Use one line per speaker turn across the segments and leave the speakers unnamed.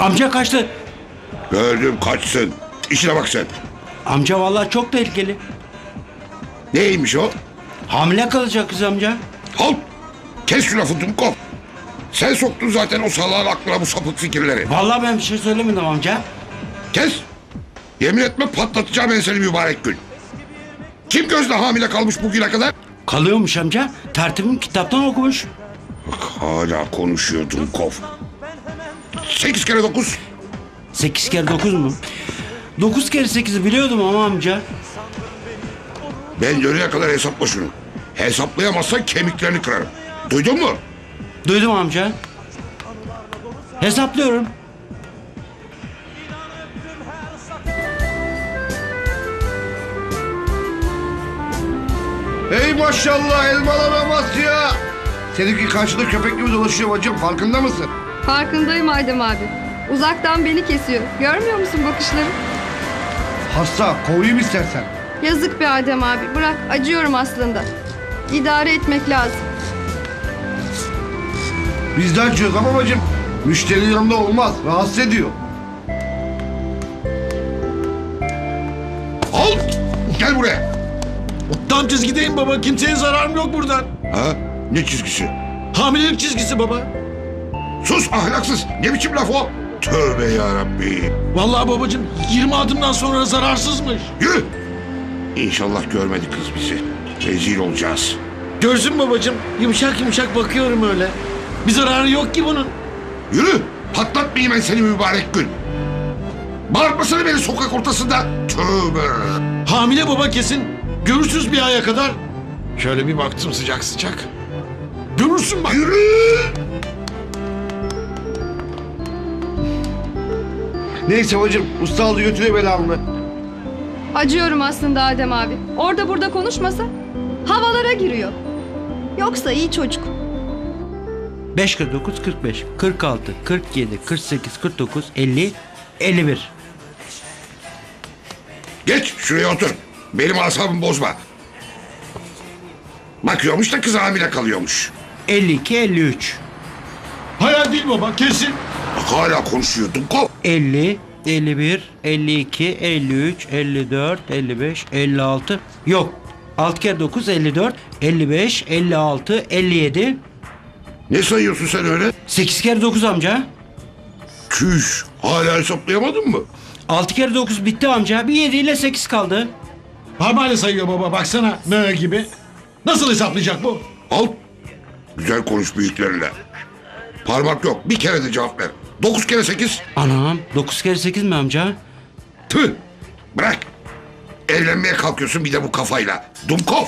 Amca kaçtı.
Gördüm kaçsın. İşine bak sen.
Amca vallahi çok tehlikeli.
Neymiş o?
Hamile kalacak kız amca.
Halt! Kes şu lafı Dumkov. Sen soktun zaten o salağın aklına bu sapık fikirleri.
Vallahi ben bir şey söylemedim amca.
Kes! Yemin etme patlatacağım ben seni mübarek gün. Kim gözle hamile kalmış bugüne kadar?
Kalıyormuş amca. Tertibim kitaptan okumuş.
Bak hala konuşuyor Dumkov. 8 kere 9.
8 kere 9 mu? 9 kere 8'i biliyordum ama amca.
Ben dönene kadar hesapla şunu. Hesaplayamazsan kemiklerini kırarım. Duydun mu?
Duydum amca. Hesaplıyorum.
Hey maşallah elmalara bas ya. Seninki karşıda köpek gibi dolaşıyor bacım, farkında mısın?
Farkındayım Adem abi. Uzaktan beni kesiyor. Görmüyor musun bakışları?
Hasta, kovayım istersen.
Yazık be Adem abi. Bırak, acıyorum aslında. İdare etmek lazım.
Biz de açıyoruz ama bacım. Müşteri yanında olmaz, rahatsız ediyor.
Halt! Gel buraya.
Tam çizgideyim baba. Kimseye zararım yok buradan.
Ha? Ne çizgisi?
Hamilelik çizgisi baba.
Sus ahlaksız. Ne biçim laf o? Tövbe yarabbi.
Vallahi babacığım 20 adımdan sonra zararsızmış.
Yürü. İnşallah görmedi kız bizi. Rezil olacağız.
Görsün babacığım. Yumuşak yumuşak bakıyorum öyle. Bir zararı yok ki bunun.
Yürü. Patlatmayayım ben seni mübarek gün. Bağırtmasana beni sokak ortasında. Tövbe.
Hamile baba kesin. Görürsüz bir aya kadar. Şöyle bir baktım sıcak sıcak. Görürsün bak.
Yürü.
Neyse bacım, usta aldı götürüyor belamı.
Acıyorum aslında Adem abi. Orada burada konuşmasa havalara giriyor. Yoksa iyi çocuk.
5 kere 9 45, 46, 47, 48, 49, 50, 51.
Geç şuraya otur. Benim asabımı bozma. Bakıyormuş da kız hamile kalıyormuş.
52, 53.
Hayal değil baba kesin.
Bak hala konuşuyor Dumkov.
50, 51, 52, 53, 54, 55, 56. Yok. 6 kere 9 54, 55, 56, 57.
Ne sayıyorsun sen öyle?
8 kere 9 amca.
Çüş. Hala hesaplayamadın mı?
6 kere 9 bitti amca. Bir 7 ile 8 kaldı.
Parmağıyla sayıyor baba baksana. Mö gibi. Nasıl hesaplayacak bu?
Al. Güzel konuş büyüklerinle. Parmak yok. Bir kere de cevap ver. 9 kere 8.
Anam 9 kere 8 mi amca?
Tüh. Bırak. Evlenmeye kalkıyorsun bir de bu kafayla. Dumkov.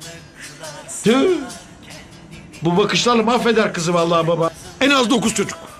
Tüh. Bu bakışlarla mahveder kızı vallahi baba. En az 9 çocuk.